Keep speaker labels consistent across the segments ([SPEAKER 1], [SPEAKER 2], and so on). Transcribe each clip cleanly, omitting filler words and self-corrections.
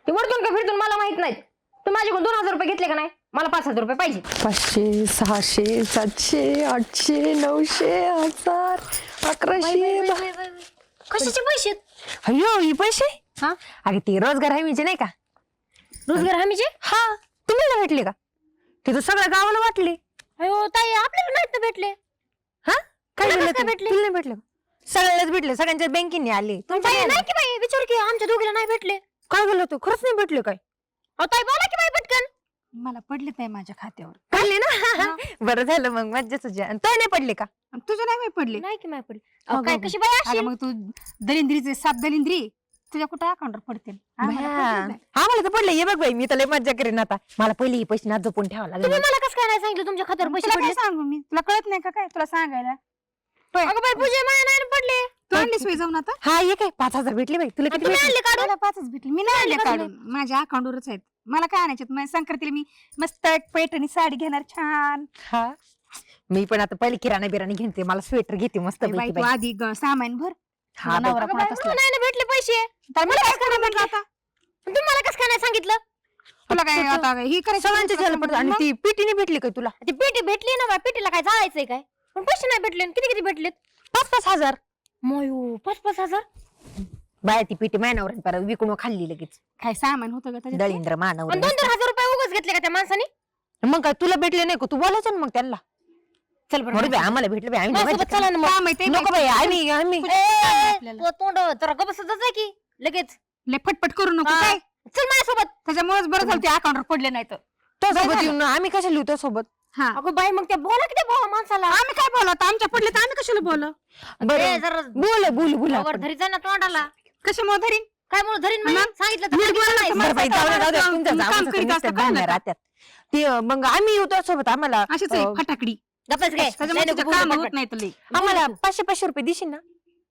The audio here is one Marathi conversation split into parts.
[SPEAKER 1] ते वरतून का फिरतून मला माहित नाहीत. तू माझ्याकडून 2000 रुपये घेतले का नाही? मला 5000 रुपये पाहिजे.
[SPEAKER 2] 500 600 700 800 900 1000 1100
[SPEAKER 1] कशाचे पैसे?
[SPEAKER 2] अयो ही पैसे
[SPEAKER 1] हा
[SPEAKER 2] अगे ते रोजगार हमीचे नाही का?
[SPEAKER 1] रोजगार हमीचे?
[SPEAKER 2] हा तुम्हाला भेटले का? ते तर सगळ्या गावाला वाटले.
[SPEAKER 1] अयो ताई आपल्याला नाहीत ना भेटले.
[SPEAKER 2] हा काय
[SPEAKER 1] तुला
[SPEAKER 2] झालं?
[SPEAKER 1] कसं काय भेटले?
[SPEAKER 2] तुला नाही भेटले का? सगळ्यालाच भेटले, सगळ्यांच्या बँकेने आले.
[SPEAKER 1] बाई नाही की बाई विचार की आमच्या दोघीला नाही भेटले.
[SPEAKER 2] काय झालं? तू खरंच नाही भेटले काय?
[SPEAKER 1] अहो ताई बोला की बाई पटकन.
[SPEAKER 3] मला पडलेत नाही माझ्या खात्यावर.
[SPEAKER 2] पडले ना? बरं झालं मग मज्जा तुझ्या. तो नाही पडले का?
[SPEAKER 3] आणि तुझ्या नाही पडले.
[SPEAKER 1] नाही की नाही पडले. अहो काय कशी बाई अशी?
[SPEAKER 3] अगं मग तू दलिंद्रीचे 7 दलिंद्री तुझ्या कुठं अकाउंटवर पडतील. आम्हाला पडलेत नाही.
[SPEAKER 2] आम्हाला तर पडले. ये बघ बाई मी तर मज्जा करेन आता. मला पहिले हे पैसे ना जपून ठेवावं
[SPEAKER 1] तुम्ही
[SPEAKER 2] लागेल.
[SPEAKER 1] मला कसं काय नाही सांगितलं तुमच्या खात्यावर पैसे
[SPEAKER 3] तुला
[SPEAKER 1] पडले?
[SPEAKER 3] काय सांगू मी? तुला कळत नाही का काय तुला सांगायला?
[SPEAKER 1] अगं बाई पूजा मला नाही ना पडले.
[SPEAKER 3] तू आणलीस वय जाऊन आता?
[SPEAKER 2] हा ये काय 5000 भेटले बाई. तुला किती
[SPEAKER 1] तुम्ही
[SPEAKER 2] भेटले?
[SPEAKER 1] आणले काढून?
[SPEAKER 3] मला 5च भेटले. मी नाही आणले
[SPEAKER 1] कसं
[SPEAKER 3] काढून. माझ्या अकाउंटवरच आहेत. मला काय आणायचे? माझ्या संक्रांतीला मी मस्त एक पैठणी साडी घेणार छान.
[SPEAKER 2] हा मी पण आता पहिले किराणा बिराणा घेते. मला स्वेटर घेते मस्त
[SPEAKER 3] ए बाई
[SPEAKER 2] पैकी
[SPEAKER 3] तू
[SPEAKER 2] बाई.
[SPEAKER 3] आधी सामान भर.
[SPEAKER 2] हा
[SPEAKER 3] नवरा
[SPEAKER 1] अगं बाई,
[SPEAKER 3] कोणाचा असला.
[SPEAKER 1] मला नाही ना भेटले पैसे.
[SPEAKER 3] तर मला काय करायला भेटलं आता?
[SPEAKER 1] तुम्ही मला कसं काय नाही सांगितलं?
[SPEAKER 3] तुला काय आता ही करायचं?
[SPEAKER 2] सगळ्यांचे झालं पडतं. आणि ती पिटीने भेटली काय तुला?
[SPEAKER 1] ती पेटी भेटली ना बाई पेटीला काय जायचंय काय? पण पैसे नाही भेटले. किती किती भेटलेत?
[SPEAKER 2] 5-5 हजार.
[SPEAKER 1] मयो 5-5 हजार.
[SPEAKER 2] बाय ती पिटी मायनावर परत विकून खाल्ली लगेच.
[SPEAKER 3] काय सामान होतं का त्याच्यात?
[SPEAKER 2] दळींद्र मानवर.
[SPEAKER 1] पण 2-2 हजार रुपये उगाच घेतले का त्या माणसाने?
[SPEAKER 2] मग काय तुला भेटले नाही का? तू बोलायचं ना मग त्यांना.
[SPEAKER 1] चल बरं
[SPEAKER 2] बरं बाई आम्हाला भेटले बाई. आम्ही
[SPEAKER 1] माझ्यासोबत
[SPEAKER 2] मज्जा
[SPEAKER 1] चला ना मग.
[SPEAKER 3] काय माहिती
[SPEAKER 2] नको बाई आम्ही आम्ही
[SPEAKER 3] आपल्याला.
[SPEAKER 1] तो तोंड जरा गबसच आहे की लगेच.
[SPEAKER 3] लय फटफट करू नको
[SPEAKER 1] हा.
[SPEAKER 3] काय.
[SPEAKER 1] चल माझ्यासोबत.
[SPEAKER 3] त्याच्यामुळेच बरं झालं ते अकाउंटवर पडले नाही तर.
[SPEAKER 2] तो सोबत येऊन आम्ही कशा लिहू त्या सोबत?
[SPEAKER 3] हा
[SPEAKER 1] अगं बाई मग त्या बोला की त्या बोला माणसाला.
[SPEAKER 3] आम्ही काय बोलत आमच्या पडले तर आम्ही कशाला बोल
[SPEAKER 1] ए,
[SPEAKER 2] बरं
[SPEAKER 1] जरा
[SPEAKER 2] बोल बोल बोल
[SPEAKER 1] वर धरी जा ना तोंडाला.
[SPEAKER 3] कशामुळे धरीन.
[SPEAKER 1] काय म्हणून धरीन म्हणजे?
[SPEAKER 3] मग?
[SPEAKER 1] सांगितलं तर
[SPEAKER 3] नीट
[SPEAKER 1] सांगितलं
[SPEAKER 3] बोला
[SPEAKER 1] नाही.
[SPEAKER 3] ना,
[SPEAKER 2] बरं बाई जाऊ दे, जाऊ दे.
[SPEAKER 3] काम
[SPEAKER 2] तुमच्या
[SPEAKER 3] करीत
[SPEAKER 2] जाऊन
[SPEAKER 3] असतं,
[SPEAKER 2] भांडणं
[SPEAKER 3] कळलं का?
[SPEAKER 2] राहत्यात. ते मग आम्ही येऊ त्या सोबत आम्हाला
[SPEAKER 3] अशीच आहे फटाकडी.
[SPEAKER 1] गप्पच काय?
[SPEAKER 3] त्याच्यामुळे
[SPEAKER 1] नाही
[SPEAKER 3] तुझं
[SPEAKER 1] नको
[SPEAKER 3] काम
[SPEAKER 1] बोलू
[SPEAKER 3] होत
[SPEAKER 1] पटपट.
[SPEAKER 3] नाही तर लई.
[SPEAKER 2] आम्हाला 500 रुपये देशील ना?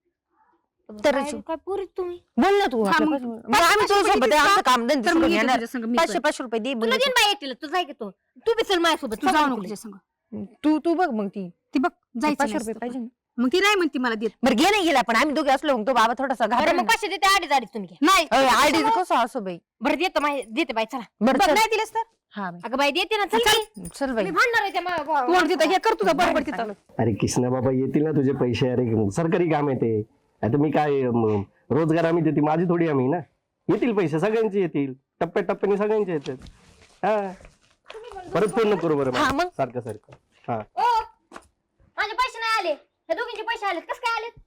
[SPEAKER 2] तर
[SPEAKER 1] काय काय पुरीत तुम्ही?
[SPEAKER 2] बोल ना तू.
[SPEAKER 3] हा,
[SPEAKER 2] आपल्या
[SPEAKER 3] मग
[SPEAKER 2] पासून. मग आम्ही तुझ्या सोबत आहे. आमचं काम धंदे
[SPEAKER 3] तर मग
[SPEAKER 2] सोडून
[SPEAKER 3] येतो
[SPEAKER 2] येणार.
[SPEAKER 3] तुझ्या संग मी पण.
[SPEAKER 2] 500 रुपये दे.
[SPEAKER 1] तुला
[SPEAKER 2] मग
[SPEAKER 1] देईन बाई एकटीला तू जाय की तू बी चल माझ्यासोबत.
[SPEAKER 3] तू जाऊ नको तुझ्या संग.
[SPEAKER 2] तू बघ मग ती
[SPEAKER 3] ती बघ जायचं
[SPEAKER 2] 500
[SPEAKER 3] नाही
[SPEAKER 2] रुपये
[SPEAKER 3] असतं.
[SPEAKER 2] पाहिजे ना.
[SPEAKER 3] मग ती नाही म्हणती मला देत.
[SPEAKER 2] बरं घे नाही गेला पण आम्ही दोघे असलो मग तो बाबा थोडासा
[SPEAKER 1] बरं
[SPEAKER 2] घाबरेल
[SPEAKER 1] मग
[SPEAKER 2] ना.
[SPEAKER 1] 500 देते अडीच तुम्ही घ्या.
[SPEAKER 3] नाही
[SPEAKER 2] आयडी कसं असो बाई.
[SPEAKER 1] बरं देते बाई चला.
[SPEAKER 2] बरं
[SPEAKER 3] बघ
[SPEAKER 2] चल.
[SPEAKER 3] नाही दिलेस तर
[SPEAKER 2] हा बाई.
[SPEAKER 1] अगं बाई देते ना चल की.
[SPEAKER 2] चल बाई.
[SPEAKER 1] मी भांडणार आहे त्या
[SPEAKER 3] तू तिथं हे कर तुझं बरोबर तिथं.
[SPEAKER 4] अरे किसना बाबा येतील ना तुझे पैसे. अरे सरकारी काम आहे ते. आता मी काय रोजगार आम्ही देते माझी थोडी आम्ही ना. येतील पैसे सगळ्यांचे येतील. टप्प्याटप्प्याने सगळ्यांचे येतात. हा परत फोन नको करू बरं
[SPEAKER 2] हा,
[SPEAKER 4] मला.
[SPEAKER 2] मग?
[SPEAKER 4] सारखं सारखं. हा
[SPEAKER 1] ओ माझे पैसे नाही आले. हे दोघींचे पैसे आलेत. कसं काय आलेत?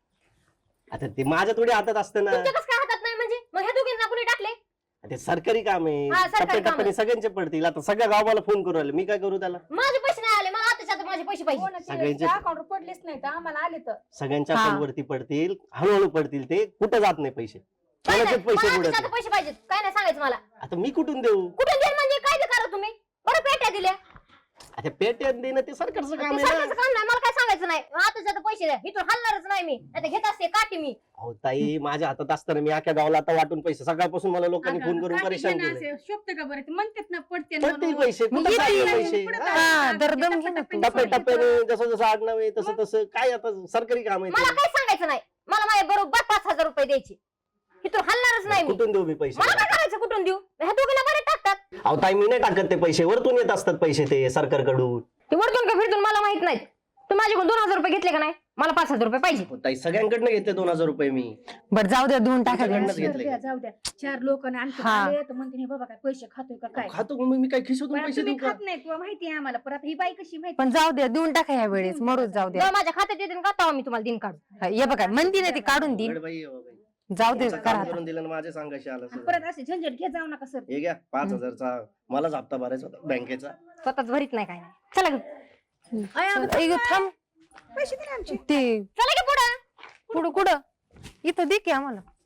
[SPEAKER 4] आता ते माझ्या थोडी हातात असतं ना.
[SPEAKER 1] तुमच्या कसं काय हातात नाही म्हणजे? मग हे दोघींना कुणी टाकले?
[SPEAKER 4] ते सरकारी काम आहे.
[SPEAKER 1] हा, सरकारी काम आहे.
[SPEAKER 4] टप्प्याटप्प्याने सगळ्यांचे पडतील. आता सगळ्या गावाला फोन करू राहिले मी काय करू त्याला.
[SPEAKER 1] माझे पैसे नाही आले. मला आताच्या आता माझे पैसे पाहिजे.
[SPEAKER 4] सगळ्यांचे
[SPEAKER 3] अकाउंटवर पडलेच नाही तर आम्हाला आले तर.
[SPEAKER 4] सगळ्यांच्या
[SPEAKER 2] हा.
[SPEAKER 4] अकाउंट वरती पडतील. हळूहळू पडतील ते. कुठं जात नाही पैसे.
[SPEAKER 1] काय नाही,
[SPEAKER 4] कोणाचेच
[SPEAKER 1] मला
[SPEAKER 4] पैसे
[SPEAKER 1] आताच्या
[SPEAKER 4] बुडत
[SPEAKER 1] आता
[SPEAKER 4] नाही.
[SPEAKER 1] पैसे पाहिजेत. काय नाही सांगायचं मला.
[SPEAKER 4] आता मी कुठून देऊ.
[SPEAKER 1] कुठून देईल म्हणजे काय ते करा तुम्ही? बरं पेट्या दिल्या.
[SPEAKER 4] आता पेट्यात देणं ते सरकारचं काम
[SPEAKER 1] ते
[SPEAKER 4] आहे
[SPEAKER 1] सरकारचं
[SPEAKER 4] ना.
[SPEAKER 1] काम नाही. मला काय सांगायचं नाही. आताच्या आता पैसे द्या. इथून हलणारच नाही मी. आता घेत असते काठी मी.
[SPEAKER 4] अहो ताई माझ्या हातात असताना मी अख्या गावाला आता वाटून पैसे सकाळपासून मला लोकांनी फोन करून परेशान केले.
[SPEAKER 3] शोभते का बरं ते म्हणतात ना पडते
[SPEAKER 4] पडतील पैसे कुठं
[SPEAKER 2] येतील.
[SPEAKER 4] जातील पैसे.
[SPEAKER 2] हा, दरदम घे ना तू.
[SPEAKER 4] टप्प्याटप्प्याने जसं जसं आडनाव आहे तसं तसं काय आता सरकारी काम आहे
[SPEAKER 1] मला
[SPEAKER 4] ते.
[SPEAKER 1] काय सांगायचं नाही. मला माझ्या बरोबर 5,000 रुपये द्यायचे. इथून हलणारच नाही मी.
[SPEAKER 4] कुठून देऊ मी पैसे.
[SPEAKER 1] मला काय करायचं कुठून देऊ? ह्या दोघीला बरे टाकतात.
[SPEAKER 4] अहो ताई मी नाही टाकत ते पैसे. वरतून येत असतात पैसे ते सरकारकडून.
[SPEAKER 1] ते वरतून का फिरतून मला माहित नाहीत. तू माझ्याकडून 2,000 रुपये घेतले का नाही? मला 5,000 रुपये पाहिजे.
[SPEAKER 4] अहो, ताई सगळ्यांकडनं घेतले 2,000 रुपये मी.
[SPEAKER 2] बरं जाऊ द्या देऊन टाका.
[SPEAKER 4] सगळ्यांनाच घेतले.
[SPEAKER 3] जाऊ द्या 4 लोक आणखी
[SPEAKER 2] हा.
[SPEAKER 3] आले तर म्हणते बाबा काय पैसे खातोय का काय.
[SPEAKER 4] खातो मग मी काय खिशोतून
[SPEAKER 3] पण
[SPEAKER 4] पैसे
[SPEAKER 3] तुम्ही
[SPEAKER 4] देऊ का.
[SPEAKER 3] खात नाही तुला माहिती आहे आम्हाला. परत ही बाई कशी माहिती.
[SPEAKER 2] पण जाऊ द्या देऊन टाका या वेळेस. मरूच जाऊ द्या.
[SPEAKER 1] जेव्हा माझ्या खात्यात येते का तेव्हा मी तुम्हाला दिन काढू.
[SPEAKER 2] हा, ये बघा म्हणती ना ती काढून देईन.
[SPEAKER 4] अवघड बाई आहे बाबा.
[SPEAKER 2] जाऊ दे
[SPEAKER 4] तुमचं
[SPEAKER 2] करा
[SPEAKER 4] काम
[SPEAKER 2] आता.
[SPEAKER 4] करून दिलं आणि माझे सांगायचे आलं
[SPEAKER 3] आणि
[SPEAKER 4] सगळं.
[SPEAKER 3] परत असे झंझट घे जाऊ नका सर.
[SPEAKER 4] हे घ्या 5,000चा मलाच हप्ता भरायचा होता बँकेचा.
[SPEAKER 1] स्वतःच भरीत नाही काय नाही. चला ग.
[SPEAKER 2] ऐक थांब.
[SPEAKER 3] पैसे दिले आमचे.
[SPEAKER 2] ते
[SPEAKER 1] चला की पुढं.
[SPEAKER 2] पुढं कुठं इथं दे की आम्हाला.